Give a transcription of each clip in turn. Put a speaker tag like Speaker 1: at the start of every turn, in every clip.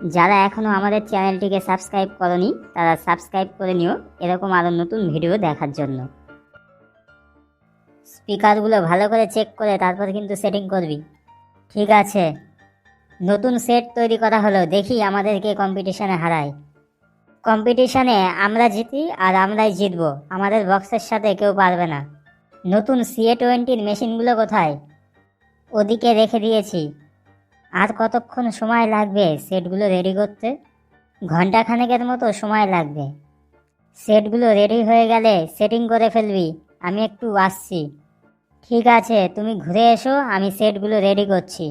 Speaker 1: যারা এখনো আমাদের চ্যানেলটিকে সাবস্ক্রাইব করনি তারা সাবস্ক্রাইব করে নিও এরকম আরও নতুন ভিডিও দেখার জন্য। স্পিকারগুলো ভালো করে চেক করে তারপর কিন্তু সেটিং করবি। ঠিক আছে, নতুন সেট তৈরি করা হলো, দেখি আমাদেরকে কম্পিটিশনে হারায়। কম্পিটিশনে আমরা জিতি আর আমরাই জিতবো, আমাদের বক্সের সাথে কেউ পারবে না। নতুন CA20 মেশিনগুলো কোথায়? ওদিকে রেখে দিয়েছি। আর কতক্ষণ সময় লাগবে সেটগুলো রেডি করতে? ঘন্টাখানেকের মতো সময় লাগবে। সেটগুলো রেডি হয়ে গেলে সেটিং করে ফেলবি, আমি একটু আসছি। ঠিক আছে, তুমি ঘুরে এসো, আমি সেটগুলো রেডি করছি।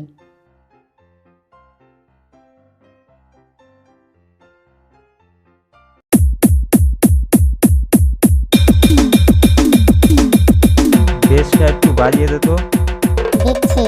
Speaker 2: বেসটা একটু বাড়িয়ে দে তো।
Speaker 1: দেখছি।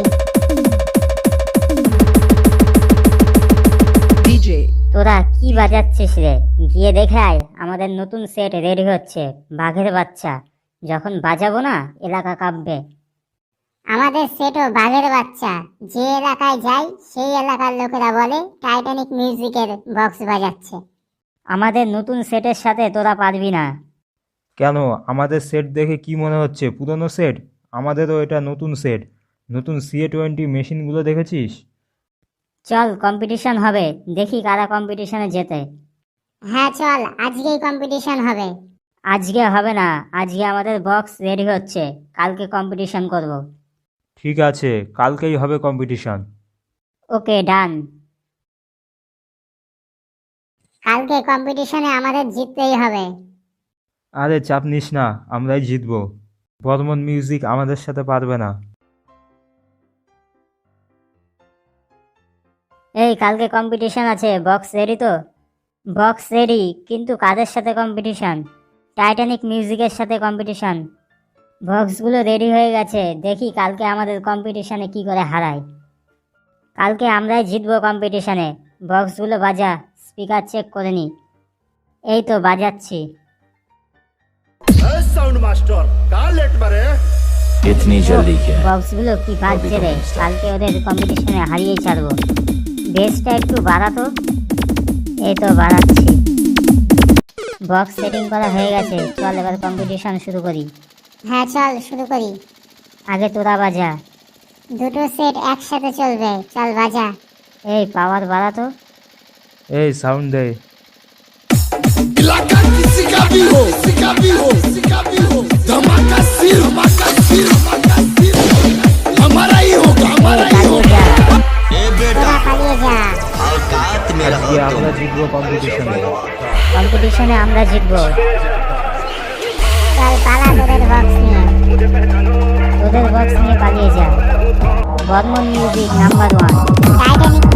Speaker 1: তোরা কি বাজাচ্ছিস রে? গিয়ে দেখে আয়, আমাদের নতুন সেট রেডি হচ্ছে। বাঘের বাচ্চা, যখন বাজাবো না এলাকা কাঁপবে।
Speaker 3: আমাদের সেটও বাঘের বাচ্চা, যে এলাকায় যাই সেই এলাকার লোকেরা বলে টাইটানিক মিউজিকের বক্স বাজাচ্ছে।
Speaker 1: আমাদের নতুন সেটের সাথে তোরা পারবি না।
Speaker 2: কেন, আমাদের সেট দেখে কি মনে হচ্ছে পুরনো সেট? আমাদেরও এটা নতুন সেট। নতুন CA20 মেশিনগুলো দেখেছিস?
Speaker 1: চল কম্পিটিশন হবে, দেখি কারা কম্পিটিশনে জেতে।
Speaker 3: হ্যাঁ চল, আজকেই কম্পিটিশন হবে।
Speaker 1: আজকে হবে না, আজকে আমাদের বক্স রেডি হচ্ছে, কালকে কম্পিটিশন করব।
Speaker 2: ঠিক আছে, কালকেই হবে কম্পিটিশন।
Speaker 1: ওকে, ডান।
Speaker 3: কালকে কম্পিটিশনে আমাদের জিততেই হবে।
Speaker 2: আরে চাপ নিস না, আমরাই জিতবো। বর্মন মিউজিক আমাদের সাথে পারবে না।
Speaker 1: এই কালকে কম্পিটিশন আছে, বক্স রেডি তো? বক্স রেডি, কিন্তু কাদের সাথে কম্পিটিশন? টাইটানিক মিউজিকের সাথে কম্পিটিশন। বক্সগুলো রেডি হয়ে গেছে, দেখি কালকে আমাদের কম্পিটিশনে কি করে হারায়। কালকে আমরাই জিতবো কম্পিটিশনে। বক্সগুলো বাজা, স্পিকার চেক করে নি। এই তো বাজাচ্ছি।
Speaker 4: साउंड मास्टर कहाँ लेट मरे
Speaker 5: इतनी जल्दी क्या?
Speaker 1: বক্সগুলো কি বাজছে রে, কালকে ওদের কম্পিটিশনে হারিয়েই ছাড়বো। বেসটা একটু বাড়াতো। এই তো বাড়াচ্ছি। বক্স সেটিং করা হয়ে গেছে, চল এবার কম্পিটিশন শুরু করি।
Speaker 3: হ্যাঁ চল শুরু করি।
Speaker 1: আগে তোরা বাজা।
Speaker 3: দুটো সেট একসাথে চলবে, চল বাজা।
Speaker 1: এই পাওয়ার বাড়াতো।
Speaker 2: এই সাউন্ড দে।
Speaker 4: इलाका किसी का भी हो धमाका सिर हमारा ही होगा
Speaker 1: এই
Speaker 4: ए
Speaker 1: পালিয়ে যা।
Speaker 3: তোরা পালিয়ে যা।
Speaker 5: औकात में रहो
Speaker 2: আজকে
Speaker 5: तुम।
Speaker 2: আমরা জিতবো কম্পিটিশনে।
Speaker 1: কম্পিটিশনে আমরা জিতবো।
Speaker 3: চল পালা তোদের বক্স নিয়ে।
Speaker 1: তোদের বক্স নিয়ে পালিয়ে যা। Barman music number 1।
Speaker 3: টাইটানিক